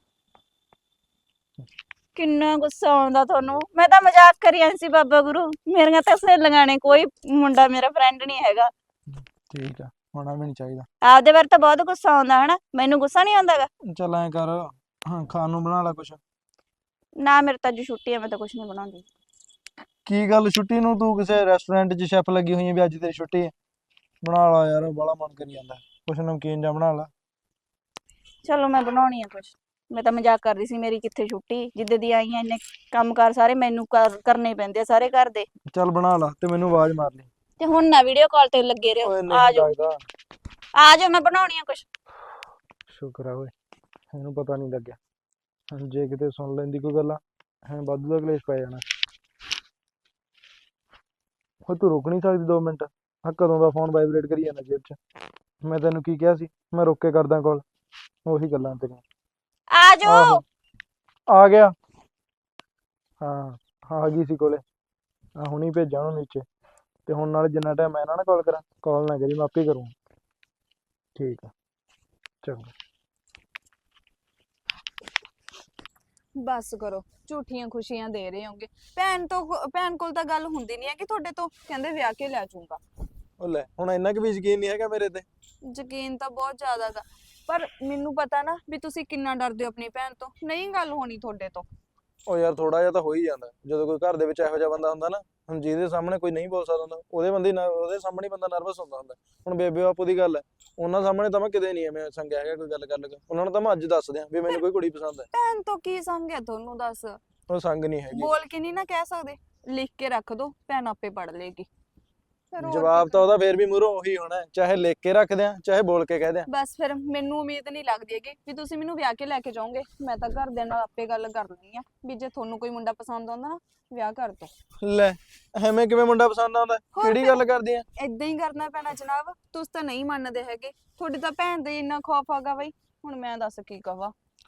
[SPEAKER 3] ਕਿੰਨਾ ਗੁੱਸਾ ਆਉਂਦਾ ਤੁਹਾਨੂੰ। ਮੈਂ ਤਾਂ ਮਜ਼ਾਕ ਕਰੀ ਜਾਂਦੀ ਸੀ ਬਾਬਾ ਗੁਰੂ, ਮੇਰੀਆਂ ਤਾਂ ਸਹੇਲੀਆਂ ਨੇ, ਕੋਈ ਮੁੰਡਾ ਮੇਰਾ ਫਰੈਂਡ ਨਹੀਂ ਹੈਗਾ।
[SPEAKER 4] ਠੀਕ ਆ, ਹੋਣਾ ਵੀ ਨਹੀਂ ਚਾਹੀਦਾ।
[SPEAKER 3] ਆਪਦੇ ਬਾਰੇ ਤਾਂ ਬਹੁਤ ਗੁੱਸਾ ਆਉਂਦਾ ਹਨਾ, ਮੈਨੂੰ ਗੁੱਸਾ ਨਹੀਂ ਆਉਂਦਾਗਾ।
[SPEAKER 4] ਚੱਲ ਐਂ ਕਰ, ਹਾਂ ਖਾਣ ਨੂੰ ਬਣਾ ਲਾ ਕੁਛ।
[SPEAKER 3] ਨਾ ਮੇਰੇ ਤਾਂ ਅੱਜ ਛੁੱਟੀ ਆ, ਮੈਂ ਤਾਂ ਕੁਛ ਨਹੀਂ ਬਣਾਉਂਦੀ।
[SPEAKER 4] ਕੀ ਗੱਲ ਛੁੱਟੀ ਨੂੰ ਤੂੰ ਕਿਸੇ ਰੈਸਟੋਰੈਂਟ 'ਚ ਸ਼ੈਫ ਲੱਗੀ ਹੋਈ ਹੈ ਵੀ ਅੱਜ ਤੇਰੀ ਛੁੱਟੀ ਹੈ? ਬਣਾ ਲਾ ਯਾਰ, ਬੜਾ ਮਨ ਕਰੀ ਜਾਂਦਾ, ਕੁਛ ਨਮਕੀਨ ਜਿਹਾ ਬਣਾ ਲਾ।
[SPEAKER 3] ਚਲੋ ਮੈਂ ਬਣਾਉਣੀ ਆ ਕੁਛ। ਮੈਂ ਤਾਂ ਮਜ਼ਾਕ ਕਰ ਰਹੀ ਸੀ, ਮੇਰੀ ਕਿੱਥੇ ਛੁੱਟੀ, ਜਿੱਦੇ ਦੀ ਆਈ ਆ ਇੰਨੇ ਕੰਮਕਾਰ ਸਾਰੇ ਮੈਨੂੰ ਕਰ- ਕਰਨੇ ਪੈਂਦੇ ਆ ਸਾਰੇ ਘਰ ਦੇ।
[SPEAKER 4] ਚੱਲ ਬਣਾ ਲਾ ਤੇ ਮੈਨੂੰ ਆਵਾਜ਼ ਮਾਰ ਲਈ।
[SPEAKER 3] ਤੇ ਹੁਣ ਨਾ ਵੀਡੀਓ ਕਾਲ ਤੇ ਲੱਗੇ ਰਹੋ,
[SPEAKER 4] ਓਏ
[SPEAKER 3] ਆ
[SPEAKER 4] ਨਹੀਂ
[SPEAKER 3] ਜਾਓ
[SPEAKER 4] ਲੱਗਦਾ।
[SPEAKER 3] ਆ ਜਾਓ, ਮੈਂ ਬਣਾਉਣੀ ਆ ਕੁਛ।
[SPEAKER 4] ਸ਼ੁਕਰ ਆ ਓਏ, ਇਹਨੂੰ ਪਤਾ ਨਹੀਂ ਲੱਗਿਆ। ਹੁਣ ਜੇ ਕਿਤੇ ਸੁਣ ਲੈਂਦੀ ਕੋਈ ਗੱਲਾਂ, ਹੈ ਵਾਧੂ ਦਾ ਕਲੇਸ਼ ਪੈ ਜਾਣਾ। ਓਏ ਤੂੰ ਰੁਕ ਨਹੀਂ ਸਕਦੀ ਦੋ ਮਿੰਟ? ਆ ਕਦੋਂ ਦਾ ਫੋਨ ਵਾਈਬ੍ਰੇਟ ਕਰੀ ਜਾਂਦਾ ਜੇਬ 'ਚ। ਮੈਂ ਤੈਨੂੰ ਕੀ ਕਿਹਾ ਸੀ, ਮੈਂ ਰੁਕ ਕੇ ਕਰਦਾ ਕਾਲ? ਉਹੀ ਗੱਲਾਂ ਤੇਰੀਆਂ।
[SPEAKER 3] ਆ ਜਾਓ।
[SPEAKER 4] ਆਹੋ ਆ ਗਿਆ। ਹਾਂ ਆ ਗਈ ਸੀ ਕੋਲੇ। ਆ ਹੁਣੀ ਭੇਜਾਂ ਉਹਨੂੰ ਨੀਚੇ। ਤੇ ਹੁਣ ਨਾਲ ਜਿੰਨਾ ਟਾਈਮ ਮੈਂ ਨਾ ਨਾ ਕਾਲ ਕਰਾਂ, ਕਾਲ ਨਾ ਕਰੀ, ਮੈਂ ਆਪੇ ਕਰੂੰ। ਠੀਕ ਆ, ਚੰਗਾ।
[SPEAKER 7] ਬਸ ਕਰੋ, ਝੂਠੀਆਂ ਖੁਸ਼ੀਆਂ ਦੇ ਰਹੇ ਹੋਗੇ। ਭੈਣ ਤੋਂ ਭੈਣ ਕੋਲ ਤਾਂ ਗੱਲ ਹੁੰਦੀ ਨਹੀਂ ਹੈ ਕਿ ਤੁਹਾਡੇ ਤੋਂ ਕਹਿੰਦੇ ਵਿਆਹ ਕੇ ਲੈ ਜਾਊਂਗਾ।
[SPEAKER 4] ਉਹ ਲੈ, ਹੁਣ ਇੰਨਾ ਕੁ ਵੀ ਯਕੀਨ ਨਹੀਂ ਹੈਗਾ ਮੇਰੇ ਤੇ?
[SPEAKER 7] ਯਕੀਨ ਤਾਂ ਬਹੁਤ ਜ਼ਿਆਦਾ ਗਾ, ਪਰ ਮੈਨੂੰ ਪਤਾ ਨਾ ਵੀ ਤੁਸੀਂ ਕਿੰਨਾ ਡਰਦੇ ਹੋ ਆਪਣੀ ਭੈਣ ਤੋਂ। ਨਹੀਂ ਗੱਲ ਹੋਣੀ ਤੁਹਾਡੇ ਤੋਂ।
[SPEAKER 4] ਉਹ ਯਾਰ ਥੋੜਾ ਜਿਹਾ ਤਾਂ ਹੋ ਹੀ ਜਾਂਦਾ ਜਦੋਂ ਕੋਈ ਘਰ ਦੇ ਵਿੱਚ ਇਹੋ ਜਿਹਾ ਬੰਦਾ ਹੁੰਦਾ ਨਾ। ਹੁਣ ਜਿਹਦੇ ਸਾਹਮਣੇ ਕੋਈ ਨਹੀਂ ਬੋਲ ਸਕਦਾ ਹੁੰਦਾ, ਉਹਦੇ ਬੰਦੇ ਉਹਦੇ ਸਾਹਮਣੇ ਬੰਦਾ ਨਰਵਸ ਹੁੰਦਾ ਹੁੰਦਾ। ਹੁਣ ਬੇਬੇ ਬਾਪੂ ਦੀ ਗੱਲ ਹੈ, ਉਹਨਾਂ ਸਾਹਮਣੇ ਤਾਂ ਮੈਂ ਕਿਤੇ ਨਹੀਂ ਐਵੇਂ ਸੰਗਿਆ ਹੈਗਾ ਕੋਈ ਗੱਲ ਕਰ ਲਗਾ। ਉਹਨਾਂ ਨੂੰ ਤਾਂ ਮੈਂ ਅੱਜ ਦੱਸ ਦਿਆਂ ਵੀ ਮੈਨੂੰ ਕੋਈ ਕੁੜੀ ਪਸੰਦ ਹੈ।
[SPEAKER 7] ਭੈਣ ਤੋਂ ਕੀ ਸੰਗ ਹੈ ਤੁਹਾਨੂੰ, ਦੱਸ?
[SPEAKER 4] ਉਹ ਸੰਗ ਨਹੀਂ ਹੈਗੀ।
[SPEAKER 7] ਬੋਲ ਕੇ ਨਹੀਂ ਨਾ ਕਹਿ ਸਕਦੇ, ਲਿਖ ਕੇ ਰੱਖ ਦੋ, ਭੈਣ ਆਪੇ ਪੜ ਲੇਗੀ। ਫਿਰ ਹੋਰ
[SPEAKER 4] ਜਵਾਬ
[SPEAKER 7] ਕੀ
[SPEAKER 4] ਤਾਂ ਉਹਦਾ ਫੇਰ ਵੀ ਮੂਹਰੋਂ ਉਹੀ ਹੋਣਾ, ਚਾਹੇ ਲਿਖ ਕੇ ਰੱਖ ਦਿਆਂ ਚਾਹੇ ਬੋਲ ਕੇ ਕਹਿ ਦਿਆਂ।
[SPEAKER 7] ਬਸ ਫਿਰ ਮੈਨੂੰ ਉਮੀਦ ਨਹੀਂ ਲੱਗਦੀ ਹੈਗੀ ਵੀ ਤੁਸੀਂ ਮੈਨੂੰ ਵਿਆਹ ਕੇ ਲੈ ਕੇ ਜਾਓਗੇ। ਮੈਂ ਤਾਂ ਘਰਦਿਆਂ ਨਾਲ ਆਪੇ ਗੱਲ ਕਰ ਲੈਣੀ ਆ ਵੀ ਜੇ ਤੁਹਾਨੂੰ ਕੋਈ ਮੁੰਡਾ ਪਸੰਦ ਆਉਂਦਾ ਨਾ, ਵਿਆਹ ਕਰ ਦੋ।
[SPEAKER 4] ਲੈ ਐਵੇਂ ਕਿਵੇਂ ਮੁੰਡਾ ਪਸੰਦ ਆਉਂਦਾ?
[SPEAKER 7] ਹੋਰ
[SPEAKER 4] ਕਿਹੜੀ
[SPEAKER 7] ਫਿਰ?
[SPEAKER 4] ਗੱਲ ਕਰਦੀ ਆ?
[SPEAKER 7] ਏਦਾਂ ਹੀ ਕਰਨਾ ਪੈਣਾ ਜਨਾਬ, ਤੁਸੀਂ ਤਾਂ ਨਹੀਂ ਮੰਨਦੇ ਹੈਗੇ। ਤੁਹਾਡੀ ਤਾਂ ਭੈਣ ਦੇ ਇੰਨਾ ਖੌਫ ਆਗਾ ਬਈ, ਹੁਣ ਮੈਂ ਦੱਸ ਕੀ ਕਹਾਂ।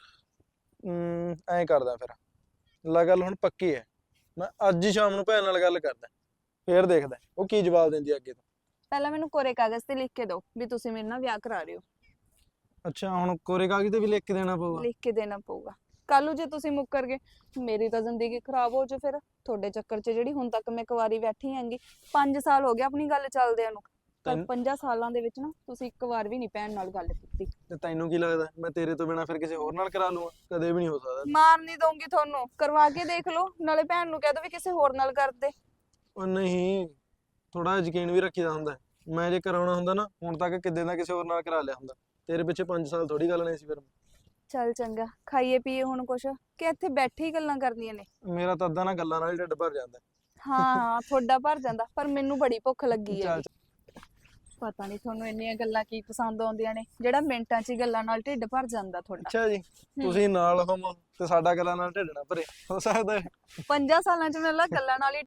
[SPEAKER 4] ਹਮ ਐਂ ਕਰਦਾ ਫਿਰ, ਲਾ ਗੱਲ ਹੁਣ ਪੱਕੀ ਹੈ। ਮੈਂ ਅੱਜ ਹੀ ਸ਼ਾਮ ਨੂੰ ਭੈਣ ਨਾਲ ਗੱਲ ਕਰਦਾ, ਫੇਰ ਦੇਖਦਾ ਉਹ ਕੀ ਜਵਾਬ ਦਿੰਦੀ ਆ ਅੱਗੇ ਤੋਂ।
[SPEAKER 7] ਪਹਿਲਾਂ ਮੈਨੂੰ ਕੋਰੇ ਕਾਗਜ਼ ਤੇ ਲਿਖ ਕੇ ਦਿਓ ਵੀ ਤੁਸੀਂ ਮੇਰੇ ਨਾਲ ਵਿਆਹ ਕਰਾ ਰਹੇ ਹੋ।
[SPEAKER 4] ਅੱਛਾ, ਹੁਣ ਕੋਰੇ ਕਾਗਜ਼ ਤੇ ਵੀ ਲਿਖ ਕੇ ਦੇਣਾ ਪਊਗਾ?
[SPEAKER 7] ਲਿਖ ਕੇ ਦੇਣਾ ਪਊਗਾ। ਕੱਲ ਨੂੰ ਜੇ ਤੁਸੀਂ ਮੁੱਕਰ ਗਏ, ਮੇਰੀ ਤਾਂ ਜ਼ਿੰਦਗੀ ਖਰਾਬ ਹੋ ਜਾਊ। ਫਿਰ ਤੁਹਾਡੇ ਚੱਕਰ 'ਚ ਜਿਹੜੀ ਹੁਣ ਤੱਕ ਮੈਂ ਕੁਆਰੀ ਬੈਠੀ ਆਂਗੀ, ਪੰਜ ਸਾਲ ਹੋ ਗਏ ਆਪਣੀ ਗੱਲ ਚੱਲਦਿਆਂ ਨੂੰ, ਪਰ
[SPEAKER 4] ਤੈਨੂੰ-
[SPEAKER 7] ਪੰਜਾਂ ਸਾਲਾਂ ਦੇ ਵਿੱਚ ਨਾ ਤੁਸੀਂ ਇੱਕ ਵਾਰ ਵੀ ਨਹੀਂ ਭੈਣ ਨਾਲ ਗੱਲ ਕੀਤੀ।
[SPEAKER 4] ਤੇ ਤੈਨੂੰ ਕੀ ਲੱਗਦਾ ਮੈਂ ਤੇਰੇ ਤੋਂ ਬਿਨਾ ਫਿਰ ਕਿਸੇ ਹੋਰ ਨਾਲ ਕਰਾ ਲੂੰਗਾ? ਕਦੇ ਵੀ ਨਹੀਂ ਹੋ ਸਕਦਾ।
[SPEAKER 7] ਮਾਰ ਨਹੀਂ ਦਊਂਗੀ ਤੁਹਾਨੂੰ, ਕਰਵਾ ਕੇ ਦੇਖ ਲਓ, ਨਾਲੇ ਭੈਣ ਨੂੰ ਕਹਿ ਦੋ ਵੀ ਕਿਸੇ ਹੋਰ ਨਾਲ ਕਰ ਦੇ।
[SPEAKER 4] ਉਹ ਨਹੀਂ, ਥੋੜਾ ਯਕੀਨ ਵੀ ਰੱਖੀਦਾ ਹੁੰਦਾ। ਮੈਂ ਜੇ ਕਰਾਉਣਾ ਹੁੰਦਾ ਨਾ, ਹੁਣ ਤੱਕ ਕਿੱਦੇ ਦਾ ਕਿਸੇ ਹੋਰ ਨਾਲ ਕਰਾ ਲਿਆ ਹੁੰਦਾ। ਤੇਰੇ ਪਿੱਛੇ ਪੰਜ ਸਾਲ ਥੋੜੀ ਗੱਲ ਨਹੀਂ ਸੀ ਫਿਰ।
[SPEAKER 7] ਚੱਲ ਚੰਗਾ, ਖਾਈਏ ਪੀਏ ਹੁਣ ਕੁਛ, ਕਿ ਇੱਥੇ ਬੈਠੇ ਹੀ ਗੱਲਾਂ ਕਰਨੀਆਂ ਨੇ?
[SPEAKER 4] ਮੇਰਾ ਤਾਂ ਅੱਧਾ ਨਾ ਗੱਲਾਂ ਨਾਲ ਹੀ ਢਿੱਡ ਭਰ ਜਾਂਦਾ।
[SPEAKER 7] ਹਾਂ ਹਾਂ, ਤੁਹਾਡਾ ਭਰ ਜਾਂਦਾ, ਪਰ ਮੈਨੂੰ ਬੜੀ ਭੁੱਖ ਲੱਗੀ ਹੈ।
[SPEAKER 4] ਚੱਲ
[SPEAKER 7] ਪਤਾ ਨਹੀਂ ਤੁਹਾਨੂੰ ਇੰਨੀਆਂ ਗੱਲਾਂ ਕੀ ਪਸੰਦ ਆਉਂਦੀਆਂ ਨੇ, ਜਿਹੜਾ ਮਿੰਟਾਂ 'ਚ ਹੀ ਗੱਲਾਂ ਨਾਲ ਢਿੱਡ ਭਰ ਜਾਂਦਾ ਤੁਹਾਡਾ।
[SPEAKER 4] ਅੱਛਾ ਜੀ, ਤੁਸੀਂ ਨਾਲ ਹੋਵੋ ਤੇ ਸਾਡਾ ਗੱਲਾਂ ਨਾਲ ਢਿੱਡ ਨਾ ਭਰੇ, ਹੋ ਸਕਦਾ ਹੈ?
[SPEAKER 7] ਪੰਜਾਂ ਸਾਲਾਂ 'ਚ ਮੈਨੂੰ ਲੱਗਦਾ ਗੱਲਾਂ ਨਾਲ ਹੀ